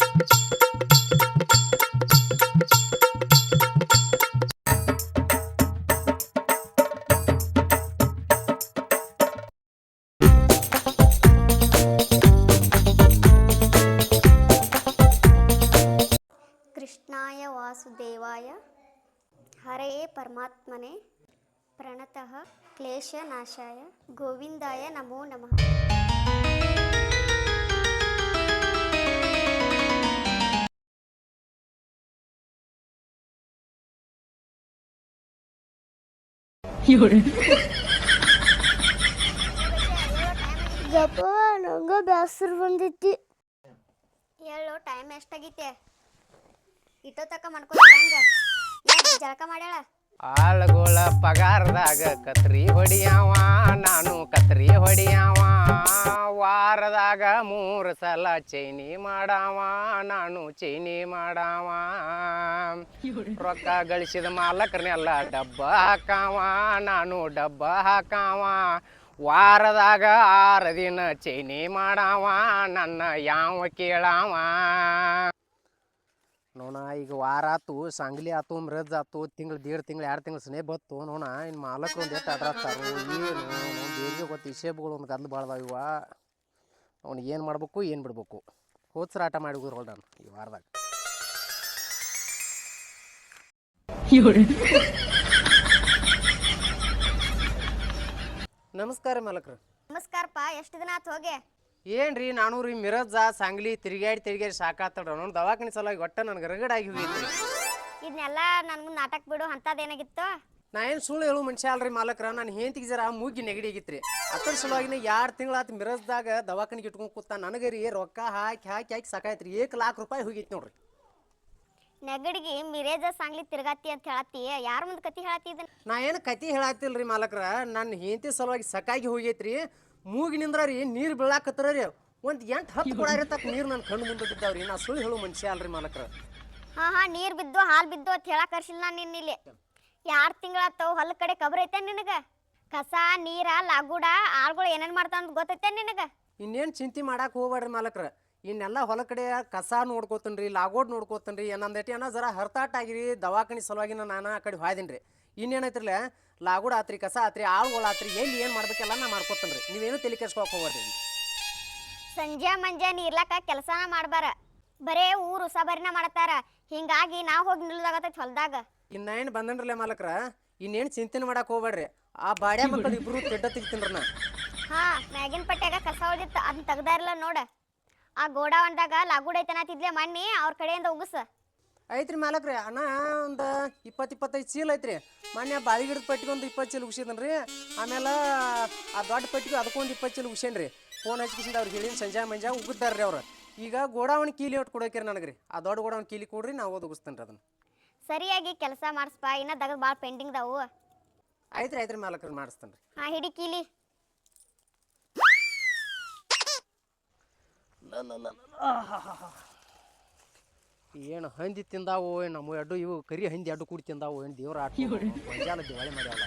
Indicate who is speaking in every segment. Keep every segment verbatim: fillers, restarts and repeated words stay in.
Speaker 1: ಕೃಷ್ಣಾಯ ವಾಸುದೇವಾಯ ಹರೇ ಪರಮಾತ್ಮನೆ ಪ್ರಣತಃ ಕ್ಲೇಶನಾಶಾಯ ಗೋವಿಂದಾಯ ನಮೋ ನಮಃ.
Speaker 2: ಜಪ ನಂಗ ಬ್ಯಾಸರ ಬಂದೈತಿ.
Speaker 1: ಹೇಳು ಟೈಮ್ ಎಷ್ಟಾಗೈತೆ? ಇಟ್ಟೋ ತಕ ಮಾಡ್ಕೊಂಡು ಹೆಂಗ ಜಳಕ ಮಾಡ್ಯಾಳ?
Speaker 3: ಆಳುಗಳ ಪಗಾರದಾಗ ಕತ್ರಿ ಹೊಡಿಯಾವ, ನಾನು ಕತ್ರಿ ಹೊಡಿಯಾವ. ವಾರದಾಗ ಮೂರು ಸಲ ಚೈನಿ ಮಾಡಾವ, ನಾನು ಚೈನಿ ಮಾಡಾವ. ರೊಕ್ಕ ಗಳಿಸಿದ ಮಾಲಕರನ್ನೆಲ್ಲ ಡಬ್ಬ ಹಾಕಾವ, ನಾನು ಡಬ್ಬ ಹಾಕಾವ. ವಾರದಾಗ ಆರು ದಿನ ಚೈನಿ ಮಾಡಾವ, ನನ್ನ ಯಾವ ಕೇಳಾವ. ನೋಣ ಈಗ ವಾರ ಆತು, ಸಾಂಗ್ಲಿ ಆತು, ಮ್ರಜ್ ಆತು, ತಿಂಗಳು ದೇಡ್ ತಿಂಗಳು ಎರಡು ತಿಂಗಳು ಸ್ನೇ ಬತ್ತು ನೋಣ. ಇನ್ನು ಮಾಲಕರು ಒಂದು ಎಷ್ಟು ಅಡ್ರಾಸ್ತಾರು ಏನು ದೇವ್ರಿಗೆ ಗೊತ್ತು. ಹಿಸೇಬ್ಗಳು ಒಂದು ಗದ್ಲು ಭಾಳದಾವ ಇವ. ಅವ್ನಿಗೆ ಏನು ಮಾಡ್ಬೇಕು ಏನು ಬಿಡ್ಬೇಕು. ಹೋದ್ಸರ ಆಟ ಮಾಡಿ ಹೋಗ್ರು ನಾನು ಈ ವಾರದಾಗ. ನಮಸ್ಕಾರ ಮಾಲಕರು.
Speaker 1: ನಮಸ್ಕಾರಪ್ಪ. ಎಷ್ಟು ದಿನ ಆತು ಹೋಗಿ?
Speaker 3: ಏನ್ರಿ ನಾನು ರೀ ಮಿರಜ ಸಾಂಗ್ಲಿ ತಿರುಗಾಡಿ ತಿರುಗಾಡಿ ಸಾಕಾತಡ್ರ ನೋಡಿ ದವಾಖಾನೆ ಸಲುವಾಗಿ ಒಟ್ಟ ನನಗೆ ರಗಡಾಗಿ ಹೋಗೈತ್ರಿ.
Speaker 1: ಇದನ್ನೆಲ್ಲ ನನ್ ಮುಂದೆ ನಾಟಕ ಬಿಡು, ಅಂತದೇನಾಗಿತ್ತು?
Speaker 3: ನಾ ಏನು ಸುಳ್ಳು ಹೇಳು ಮನುಷ್ಯ ಅಲ್ರಿ ಮಾಲಕ್ರ. ನಾನು ಹೆಂತಿಗೆ ಜರ ಮೂಗಿ ನೆಗಡಿ ಆಗಿತ್ರಿ. ಅದ್ರ ಸಲುವಾಗಿನ ಎರಡು ತಿಂಗಳಾತು ಮಿರಜ್ದಾಗ ದವಾಖಾನಿಗೆ ಇಟ್ಕೊಂಡು ಕೂತ. ನನಗೆ ರೀ ರೊಕ್ಕ ಹಾಕಿ ಹಾಕಿ ಹಾಕಿ ಸಾಕಾಯ್ತ್ರಿ. ಏಕ್ ಲಾಖ ರೂಪಾಯಿ ಹೋಗೈತಿ ನೋಡ್ರಿ.
Speaker 1: ನೆಗಡಿಗೆ ಮಿರೇಜ ಸಾಂಗ್ಲಿ ತಿರ್ಗಾತಿ ಅಂತ ಹೇಳತ್ತಿ, ಯಾರ ಮುಂದೆ ಕತಿ ಹೇಳತ್ತಿ ಇದನ್ನ?
Speaker 3: ನಾ ಏನು ಕತಿ ಹೇಳತ್ತಿಲ್ರಿ ಮಾಲಕ್ರ. ನನ್ನ ಹೆಂಡತಿ ಸಲುವಾಗಿ ಸಕಾಗಿ ಹೋಗೈತ್ರಿ. ಮೂಗಿನಿಂದ್ರ ರೀ ನೀರು ಬೀಳಾಕತ್ರ ರೀ ಒಂದು ಎಂಟು ಹತ್ತು ಕೊಡ ಇರತಕ್ಕ ನೀರು ನನ್ನ ಕಣ್ಣು ಮುಂದೆ ಬಿದ್ದಾವ್ರಿ. ನಾ ಸುಳ್ಳು ಹೇಳು ಮನುಷ್ಯ ಅಲ್ರಿ ಮಾಲಕ್ರ.
Speaker 1: ಹಾ ಹಾ ನೀರ್ ಬಿದ್ದು ಹಾಲು ಬಿದ್ದು ಅಂತ ಹೇಳಕ್ ಕರ್ಸಿಲ್ಲ ನಾನು ನಿನ್ನ ಇಲ್ಲಿ. ಎರಡು ತಿಂಗಳಾತವು, ಹೊಲ ಕಡೆ ಕಬ್ರ ಐತೆ ನಿನಗ? ಕಸ ನೀರ ಲಾಗುಡ ಆಳ್ಗಳು ಏನೇನ್ ಮಾಡ್ತಾವ ಅಂತ ಗೊತ್ತೈತೆ ನಿನಗ?
Speaker 3: ಇನ್ನೇನು ಚಿಂತೆ ಮಾಡಕ್ಕೆ ಹೋಗ್ಬೇಡ್ರಿ ಮಾಲಕ್ರ. ಇನ್ನೆಲ್ಲ ಹೊಲ ಕಡೆ ಕಸ ನೋಡ್ಕೋತನ್ರಿ, ಲಾಗೋಡ್ ನೋಡ್ಕೋತನ್ರಿ. ಏನಂದೈತಿ ಏನೋ ಜರ ಹರ್ತಾಟ ಆಗಿರಿ ದವಾಖಾನಿ ಸಲುವಾಗಿ ನಾನು ಆ ಕಡೆ ಹೋಯ್ದಿನ್ರಿ. ಇನ್ನೇನೈತ್ರಲ್ಲ ಲಾಗೋಡ್ ಆತ್ರಿ, ಕಸ ಆತ್ರಿ, ಆಳುಗಳು ಆತ್ರಿ, ಎಲ್ಲಿ ಏನು ಮಾಡ್ಬೇಕೆಲ್ಲ ನಾ ಮಾಡ್ಕೋತನ್ರಿ. ನೀವೇನು ತಲೆ ಕೆಡ್ಸ್ಕೊಳಕ್ ಹೋಗ್ಬೇಡ್ರಿ.
Speaker 1: ಸಂಜೆ ಮಂಜೆ ನೀರ್ಲಾಕ ಕೆಲಸನ ಮಾಡ್ಬಾರ, ಬರೇ ಊರು ಉಸಾಬರಿನ ಮಾಡ್ತಾರ. ಹಿಂಗಾಗಿ ನಾವು ಹೋಗಿ ನಿಲ್ಲದಾಗತೈತಿ ಹೊಲ್ದಾಗ.
Speaker 3: ಇನ್ನ ಏನು ಬಂದನ್ರಲ್ಲ ಮಾಲಕ್ರ, ಇನ್ನೇನು ಚಿಂತೆ ಮಾಡಕ್ಕೆ ಹೋಗ್ಬೇಡ್ರಿ. ಆ ಬಾಡ್ಯಾ ಮಕ್ಕಳು ಇಬ್ರು ತೆಡ್ಡ ತೆಗಿತೀನ್ರಿ ನಾ.
Speaker 1: ಹಾ ಮ್ಯಾಗಿನ ಪಟ್ಟ್ಯಾಗ ಕಸ ಉಳಿದಿತ್ತು, ಅದನ್ನ ತೆಗ್ದಾರಿಲ್ಲ ನೋಡ. ಆ ಗೋಡಾವನ್ದಾಗ ಲಾಗುಡ್ ಐತನತಿದ್ಲೆ ಮಣ್ಣಿ ಅವ್ರ ಕಡೆಯಿಂದ ಉಗಸ.
Speaker 3: ಐತ್ರಿ ಮಾಲಕ್ರಿ. ಅಣ್ಣ ಒಂದು ಇಪ್ಪತ್ತು ಇಪ್ಪತ್ತೈದು ಚೀಲ ಐತ್ರಿ. ಮೊನ್ನೆ ಬಾವಿ ಗಿಡದ ಪಟ್ಟಿಗೆ ಒಂದು ಇಪ್ಪತ್ತು ಚೀಲ ಉಗಿಸಿದನ್ರಿ. ಆಮೇಲೆ ಆ ದೊಡ್ಡ ಪಟ್ಟಿಗೆ ಅದಕ್ಕೊಂದು ಇಪ್ಪತ್ತು ಚೀಲ ಉಗಿಸೇನ್ರಿ. ಫೋನ್ ಹಚ್ಕಿಸಿಂದ ಅವ್ರಿಗೆ ಹೇಳಿನ ಸಂಜೆ ಮಂಜೆ ಉಗಿದಾರ್ರಿ ಅವ್ರು. ಈಗ ಗೋಡಾವಣಿ ಕೀಲಿ ಒಟ್ಟು ಕೊಡೋಕ್ರಿ ನನಗೆ ರೀ. ಆ ದೊಡ್ಡ ಗೋಡಾವಣಿ ಕೀಲಿ ಕೊಡ್ರಿ, ನಾವು ಓದ್ ಉಗಿಸ್ತೇನೆ ರೀ ಅದನ್ನು.
Speaker 1: ಸರಿಯಾಗಿ ಕೆಲಸ ಮಾಡಿಸ್ಪಾ, ಇನ್ನ ದಗದ್ ಭಾಳ ಪೆಂಡಿಂಗ್ ದಾವು.
Speaker 3: ಆಯ್ತ್ರಿ ಆಯ್ತ್ರಿ ಮಾಲಕ್ರಿ, ಮಾಡಿಸ್ತೇನೆ ರೀ.
Speaker 1: ಹಾ ಹಿಡಿ ಕೀಲಿ.
Speaker 3: ಏನು ಹಂದಿ ತಿಂದಾವು ನಮ್ಮ ಎಡ್ಡು, ಇವು ಕರಿ ಹಂದಿ ಅಡ್ಡು ಕೂಡಿ ತಿಂದಾವು. ಏನು ದೇವ್ರ ಆಟ ಮಂಜಾಲ ದಿವಾಳಿ ಮಾಡ್ಯಾವಲ್ಲ.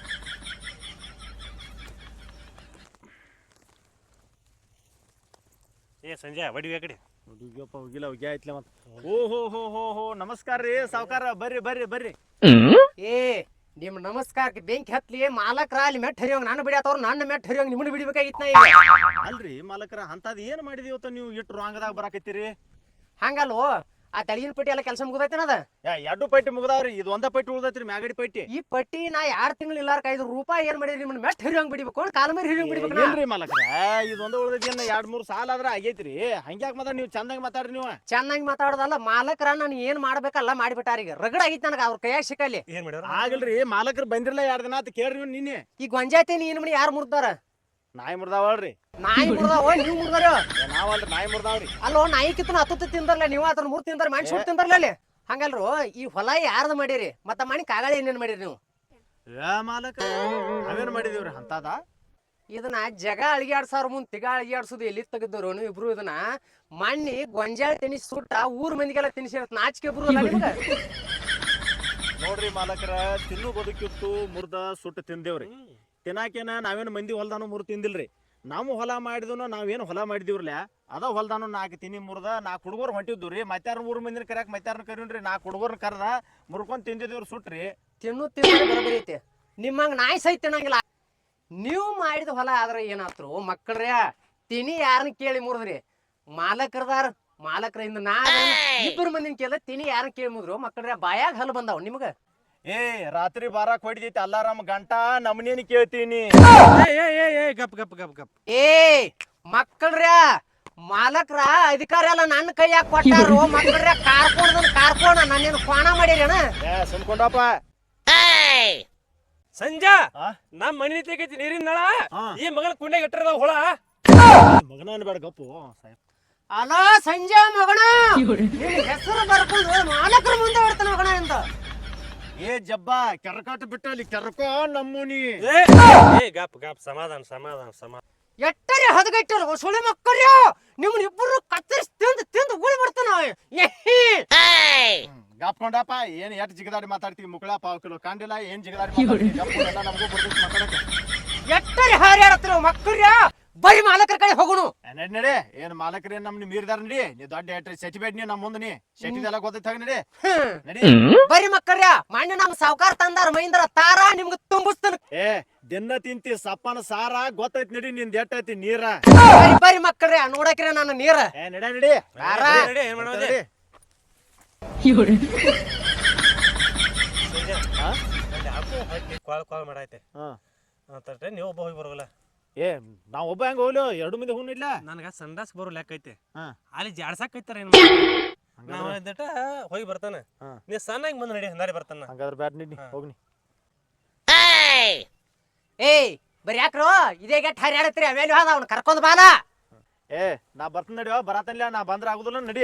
Speaker 4: ಏ ಸಂಜೆ ಬಡಿವಿ ಆ ಕಡೆ ಹುಡುಗಿಯಪ್ಪ ಹೋಗಿಲ್ಲ ಹೋಗಿ ಆಯ್ತಲ್ಲ ಮತ್ತೆ. ಓ ಹೋ ಹೋ ಹೋ ಹೋ ನಮಸ್ಕಾರ ರೀ ಸಾವ್ಕಾರ, ಬರ್ರಿ ಬರ್ರಿ ಬರ್ರಿ.
Speaker 3: ಏ ನಿಮ್ ನಮಸ್ಕಾರಕ್ಕೆ ಬೆಂಕಿ ಹತ್ಲಿ ಮಾಲಕ್ರ. ಅಲ್ಲಿ ಮೆಟ್ ಹರಿಯೋಂಗ್ ನಾನು ಬಿಡಾತವ್ರು, ನನ್ನ ಮೆಟ್ ಹರಿಯೋಂಗ್ ನಿಮ್ಮನ್ನ ಬಿಡ್ಬೇಕಾಗಿತ್ತು ನಾ ಈಗ.
Speaker 4: ಅಲ್ರಿ ಮಾಲಕರ ಅಂತದ್ ಏನ್ ಮಾಡಿದಿವತ್ತ ನೀವು ಇಟ್ಟು ರಾಂಗದಾಗ ಬರಾಕತ್ತೀರಿ?
Speaker 3: ಹಂಗಲ್ವೋ, ಆ ತಳಿನ ಪಟ್ಟಿ ಎಲ್ಲ ಕೆಲಸ ಮುಗ್ದೈತೇನದ?
Speaker 4: ಎರಡು ಪಟ್ಟಿ ಮುಗ್ದಾವ್ರಿ, ಇದು ಒಂದ ಪಟ್ಟಿ ಉಳ್ದೈತ್ರಿ ಮ್ಯಾಗಡಿ ಪಟ್ಟಿ.
Speaker 3: ಈ ಪಟ್ಟಿ ನಾ ಎರಡು ತಿಂಗಳು ಇಲ್ಲಾರ್ಕ ಐದು ರೂಪಾಯಿ ಏನ್ ಮಾಡಿರಿ ನಿಮ್ಮನ್ನ ಮೆಟ್ ಹರಿಯೋಂಗ್ ಬಿಡ್ಬೇಕು, ಕಾಲ ಮೇಲೆ ಹರಿಯೋಂಗ್ ಬಿಡ್ಬೇಕು.
Speaker 4: ಏನ್ರಿ ಮಾಲಕರ ಇದು ಒಂದ ಉಳ್ದೈತಿ, ಎರಡ್ ಮೂರ್ ಸಾಲ ಆದ್ರ ಆಗೈತ್ರಿ. ಹಂಗ್ಯಾಕ್ ಮಾತಾಡ ನೀವು ಚಂದಂಗ್ ಮಾತಾಡ್ರಿ. ನೀವು
Speaker 3: ಚೆನ್ನಾಗಿ ಮಾತಾಡೋದಲ್ಲ ಮಾಲಕರ, ನಾನು ಏನ್ ಮಾಡ್ಬೇಕಲ್ಲ ಮಾಡಿಬಿಟ್ಟಾರ. ಈಗ ರಗಡ ಆಗೈತಿ ನನಗೆ ಅವ್ರ ಕೈಯಾಗ ಸಿಕ್ಕಲ್ಲಿ.
Speaker 4: ಆಗಲ್ರಿ ಮಾಲಕರು ಬಂದಿರಲ್ಲ ಎರಡ್ ದಿನ ಆತ ಕೇಳ್ರಿ ನೀವು ನಿನ್ನೆ.
Speaker 3: ಈ ಗೊಂಜಾತಿ ನೀನ್ ಮನಿ ಯಾರು ಮುರ್ದಾರ?
Speaker 4: ನಾಯಿ ಮುರ್ದಾವಲ್ರಿ.
Speaker 3: ನಾಯಿ ಮುರ್ದಾವ, ನೀವು ಮುರ್ದಾರ?
Speaker 4: ನಾವಲ್ರಿ ನಾಯಿ ಮುರ್ದಾವ್ರಿ.
Speaker 3: ಅಲ್ಲೋ ನಾಯಿ ಕಿತ್ತನ ಹತ್ತು ತಿಂದಾರಲ್ಲ ನೀವು, ಅದನ್ನ ಮೂರ್ ತಿಂದಾರ ಮಾಡಿ ಸುಟ್ಟು ತಿಂದಾರಲ್ಲ ಅಲ್ಲಿ. ಹಂಗಲ್ರು ಈ ಹೊಲ ಯಾರ್ದು ಮಾಡಿರಿ? ಮತ್ತ ಮನಿ ಕಾಗಾಳಿ ಏನೇನ್ ಮಾಡಿರಿ ನೀವು?
Speaker 4: ಏ ಮಾಲಕ ನಾವೇನ್ ಮಾಡಿದೀವ್ರಿ ಅಂತದ?
Speaker 3: ಇದನ್ನ ಜಗ ಅಳಿಗಾಡ್ಸಾರ ಮುಂದ್ ತಿಗ ಅಳಿಗಾಡ್ಸುದು ಎಲ್ಲಿ ತೆಗೆದವ್ರು ನೀವು ಇಬ್ರು? ಇದನ್ನ ಮಣ್ಣಿ ಗೊಂಜಾಳ ತಿನಿಸಿ ಸುಟ್ಟ ಊರ್ ಮಂದಿಗೆಲ್ಲ ತಿನ್ಸಿ ನಾಚಿಕೆ ಬರು
Speaker 4: ನೋಡ್ರಿ ಮಾಲಕರ, ತಿನ್ನು ಬದುಕಿತ್ತು ಮುರ್ದ ಸುಟ್ಟು ತಿಂದೇವ್ರಿ. ತಿನ್ನಾಕೇನ ನಾವೇನು ಮಂದಿ ಹೊಲ್ದಾನು ಮುರ್ ತಿಂದಿಲ್ರಿ. ನಾವು ಹೊಲ ಮಾಡಿದ್ನು ನಾವೇನು ಹೊಲ ಮಾಡಿದಿವ್ರಲ್ಲ ಅದ ಹೊಲ್ದಾನು ನಾಲ್ಕು ತಿನ್ನಿ ಮುರ್ದ ನಾಲ್ಕು ಹುಡುಗರು ಹೊಂಟಿದ್ದು ರೀ ಮತ್ತಾರ ಮೂರು ಮಂದಿನ ಕರ್ಯಾಕ ಮತ್ತಾರನ ಕರೀನ್ರಿ ನಾಲ್ಕು ಹುಡುಗರ್ನ ಕರ್ದ ಮುರ್ಕೊಂಡ್ ತಿಂದಿದ್ದೇವ್ರು ಸುಟ್ರಿ.
Speaker 3: ತಿನ್ನು ತಿನ್ನು ಬರೋಬರಿ ಐತಿ. ನಿಮ್ಮಂಗ ನಾಯಿ ಸಹಿತ ತಿನ್ನಂಗಿಲ್ಲ. ನೀವು ಮಾಡಿದ ಹೊಲ ಆದ್ರೆ ಏನಾತ್ರು ಮಕ್ಕಳ್ರೆ ತಿನಿ ಯಾರನ್ನ ಕೇಳಿ ಮುರಿದ್ರಿ ಮಾಲಕರದಾರ ಮಾಲಕರಿಂದ ನಾ ಇಬ್ಬರು ಮಂದಿನ ಕೇಳ ತಿನಿ ಯಾರನ್ನ ಕೇಳಿ ಮುದ್ರು ಮಕ್ಕಳ್ರೆ ಬಾಯಾಗ ಹಲ್ಲು ಬಂದಾವ್ ನಿಮ್ಗ.
Speaker 4: ಏ ರಾತ್ರಿ ಬಾರಾಕ್ ಹೊಡಿದೈತಿ ಅಲ್ಲಾರಮ್ಮ ಗಂಟ ನಮ್ಮನೇನು ಕೇಳ್ತೀನಿ.
Speaker 5: ಗಪ್ ಗಪ್ ಗಪ್ ಗಪ್
Speaker 3: ಏ ಮಕ್ಕಳ್ರ ಮಾಲಕ್ರ ಅಧಿಕಾರ ಎಲ್ಲ ನನ್ನ ಕೈಯಾಗ ಕೊಟ್ಟಾರು ಮಕ್ಕಳ್ರೆ ಕಾರ್ಕೊಂಡ್ ಕಾರ್ಕೋಣ ನಾನೇನು ಕ್ವಾಣ ಮಾಡಿರೇನ.
Speaker 4: ಏ ಸುಮ್ಕೊಂಡಪ್ಪ.
Speaker 5: ಸಂಜಾ
Speaker 4: ಆ?
Speaker 5: ನಮ್ ಮನಿ ತೆಗೈತಿ ನೀರಿನ ನಳ
Speaker 4: ಹಾ.
Speaker 5: ಈ ಮಗನ ಕುಂಡ್ಯಾಗ ಇಟ್ಟರದ ಹುಳ.
Speaker 4: ಮಗನ ಅನ್ಬೇಡ ಗಪ್ಪು ಸಾಹೇಬ್.
Speaker 3: ಅಲೋ ಸಂಜೆ ಮಗಣ ನಿನ್ ಹೆಸರು ಬರ್ಕೊಂಡು ಮಾಲಕರ ಮುಂದೆ ಹೊಡ್ತಾನ ಮಗಣ ಅಂತ.
Speaker 4: ಏ ಜಬ್ಬ ಕೆರಕಾಟ ಬಿಟ್ಟ ಅಲ್ಲಿ ಕೆರಕೋ ನಮ್ಮೂನಿ.
Speaker 5: ಏ ಏ ಗಪ್ ಗಪ್ ಸಮಾಧಾನ ಸಮಾಧಾನ ಸಮಾಧಾನ.
Speaker 3: ಎಟ್ಟರೆ ಹದಗೆಟ್ಟರು ಸುಳಿ ಮಕ್ಕಳ್ಯ ನಿಮ್ಮನ್ನ ಇಬ್ಬರು ಕತ್ತರಿಸಿ ತಿಂದು ತಿಂದು ಉಳಿ ಬಿಡ್ತಾನ.
Speaker 4: ಗಾಪ್ಕೊಂಡಪ್ಪ ಏನ್ ಎಟ್ ಜಿಗದಾಡಿ ಮಾತಾಡ್ತೀವಿ ಮುಕ್ಕಳ ಪಾವ್ ಕಿಲೋ ಕಾಂಡಿಲ್ಲ ಏನ್ ಜಿಗದಾಡಿ ಮಾತಾಡ್ತೀವಿ ಗಪ್ಪು ನಮಗೂ ಬರ್ತೈತಿ ಮಾತಾಡಕ್ಕೆ.
Speaker 3: ಎಟ್ಟರೆ ಹಾರ್ಯಾಡತ್ರ ಮಕ್ಕಳ್ಯ ಬರೀ ಮಾಲಕರ ಕಡೆ ಹೋಗುನು.
Speaker 4: ನಡಿ ನಡಿ ಏನ್ ಮಾಲಕರೇ ನಮ್ನ ಮೀರ್ದಾರ ನಡಿ ನೀ ದೊಡ್ಡ ಎಟ್ರಿ ಸೆಟಿಬೇಡ್ ನೀ ನಮ್ಮ ಮುಂದೆ ನೀ ಸೆಟಿದೆಲ್ಲ ಗೊತ್ತೈತ ನಡಿ ನಡಿ.
Speaker 3: ಬರೀ ಮಕ್ಕಳ್ಯ ಮಾನ್ಯ ನಮ್ ಸಾವ್ಕಾರ ತಂದಾರ ಮೈಂದ್ರ ತಾರ ನಿಮ್ಗ ತುಂಬಿಸ್ತಾನ.
Speaker 4: ಏ ದಿನ ತಿಂತಿ ಸಪ್ಪನ ಸಾರ ಗೊತ್ತೈತಿ ನಡಿ ನಿಂದ ಎಟ್ಟೈತಿ ನೀರ.
Speaker 3: ಬರೀ ಬರೀ ಮಕ್ಕಳ್ಯ ನೋಡಕ್ರೆ ನನ್ನ ನೀರ.
Speaker 4: ಏ ನಡಿ ನಡಿ
Speaker 3: ಬಾರ.
Speaker 5: ನಡಿ, ಏನ್ ಮಾಡೋದು?
Speaker 4: ನಡಿ.
Speaker 5: ಕಾಲ್ ಕಾಲ್ ಮಾಡೈತೆ
Speaker 4: ಹಾ.
Speaker 5: ಅಂತಂದ್ರೆ ನೀವು ಒಬ್ಬ ಹೋಗಿ ಬರೋಲ್ಲ.
Speaker 4: ಏ ನಾವ್ ಒಬ್ಬ ಹೆಂಗ ಹೋಗ್ಲು ಎರಡು ಮಂದಿ ಹೂನ್ ಇಲ್ಲ.
Speaker 5: ನನಗ ಸಂಡಾಸ್ ಬರೋ ಲೆಕ್ಕ ಐತೆ.
Speaker 4: ಹಾ.
Speaker 5: ಅಲ್ಲಿ ಜಾಡ್ಸಾಕೈತಾರ ಏನ್
Speaker 4: ಹಂಗಾದ್ರೆ-
Speaker 5: ನಾವ್ ಇದ್ದಟ ಹೋಗಿ ಬರ್ತಾನ.
Speaker 4: ಹಾ.
Speaker 5: ನೀ ಸಣ್ಣಾಗಿ ಬಂದ್ ನಡಿ ಹಂದಾರಿ ಬರ್ತಾನ.
Speaker 4: ಹಂಗಾದ್ರೆ ಬ್ಯಾಡ್ ನಡಿ ಹೋಗ್ನಿ.
Speaker 3: ಏಯ್ ಬರೀ ಯಾಕ್ರೋ ಇದೇ ಗೆಟ್ ಹರಿಯಾಡತ್ರಿ ಅವೇಲಿ ಹೋದ ಅವ್ನ ಕರ್ಕೊಂಡ್ ಬಾಲ.
Speaker 4: ಏ ನಾ ಬರ್ತೀನಿ ನಡಿಯೋ ಬರತನ್ಲ ನಾ ಬಂದ್ರ ಆಗುದಿಲ್ಲ ನಡಿ.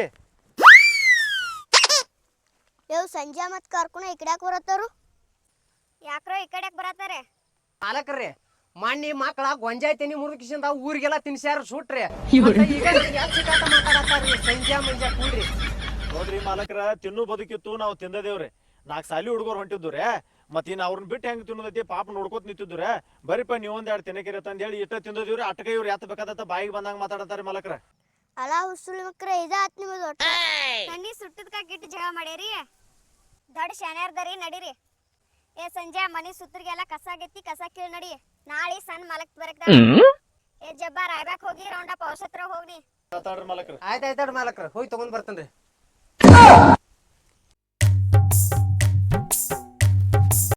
Speaker 2: ಯವ್ ಸಂಜೆ ಮತ್ ಕರ್ಕೊಂಡು ಈ ಕಡೆ ಬರತ್ತಾರು.
Speaker 1: ಯಾಕ್ರೋ ಈ ಕಡೆಕ್ ಬರತಾರೆ?
Speaker 3: ಮಾಲಕರ್ರಿ ಮಣ್ಣಿ ಮಕ್ಕಳ ಗೊಂಜಾಯ್ತೀನಿ ಮುರುಕಿಸಿಂದ ಊರಿಗೆಲ್ಲ ತಿನ್ಸ್ಯಾರ ಸುಟ್ರಿ. ಮತ್ತೆ ಈಗ ಯಾಕ್ ಸಿಕ್ಕಾಟ ಮಾತಾಡತ್ತಾರ್ರಿ ಸಂಜೆ ಮುಂಜೆ ಕೂಡ್ರಿ.
Speaker 4: ನೋಡ್ರಿ ಮಾಲಕರ ತಿನ್ನು ಬದುಕಿತ್ತು ನಾವು ತಿಂದದೇವ್ರಿ ನಾಲ್ಕು ಸಾಲಿ ಹುಡುಗರು ಹೊಂಟಿದ್ದುರೆ ಮತ್ ಇನ್ ಅವ್ರನ್ನ ಬಿಟ್ಟು ಹೆಂಗ್ ತಿನ್ನೋದೈತಿ ಪಾಪ ನೋಡ್ಕೋತ ನಿಂತಿದ್ದುರೆ ಬರೀಪ ನೀವೊಂದ್ ಎರಡು ತಿನ್ನಕಿರ ತಂದ್ ಹೇಳಿ ಇಷ್ಟ ತಿಂದದಿವ್ರಿ ಅಟ್ಕ ಇವ್ರು ಎತ್ತ ಬೇಕಾದತ್ತ ಬಾಯಿಗೆ ಬಂದಂಗ ಮಾತಾಡತಾರ ಮಾಲಕರ.
Speaker 2: ಅಲ್ಲ ಹುಸುಳಿ ಮಕ್ರ ಇದಾತ್ ನಿಮ್ಮದು ಒಟ್ಟ.
Speaker 1: ತಣ್ಣಿ ಸುಟ್ಟದ್ಕ ಗಿಟ್ಟು ಜಗಳ ಮಾಡ್ಯಾರಿ. ದೊಡ್ಡ ಶಾನ್ಯಾರ್ದರಿ ನಡೀರಿ. ಏ ಸಂಜೆ ಮನಿ ಸುತ್ತರಿಗೆಲ್ಲ ಕಸ ಆಗೈತಿ ಕಸ ಕೀಳ್ ನಡಿ. ನಾಳೆ ಸಣ್ಣ ಮಲಕ್ ಬರಕ್ ಏ ಜಬ್ಬ ರಾಯ್ಬ್ಯಾಕ್ ಹೋಗಿ ರೌಂಡಪ್ ಔಷತ್ರ ಹೋಗ್ನಿ.
Speaker 4: ಮಾತಾಡ್ರಿ ಮಾಲಕರ.
Speaker 3: ಆಯ್ತಾಯ್ತಾಡ್ರಿ ಮಾಲಕ್ರ ಹೋಗಿ ತಗೊಂಡ್ ಬರ್ತೇನ್ರಿ.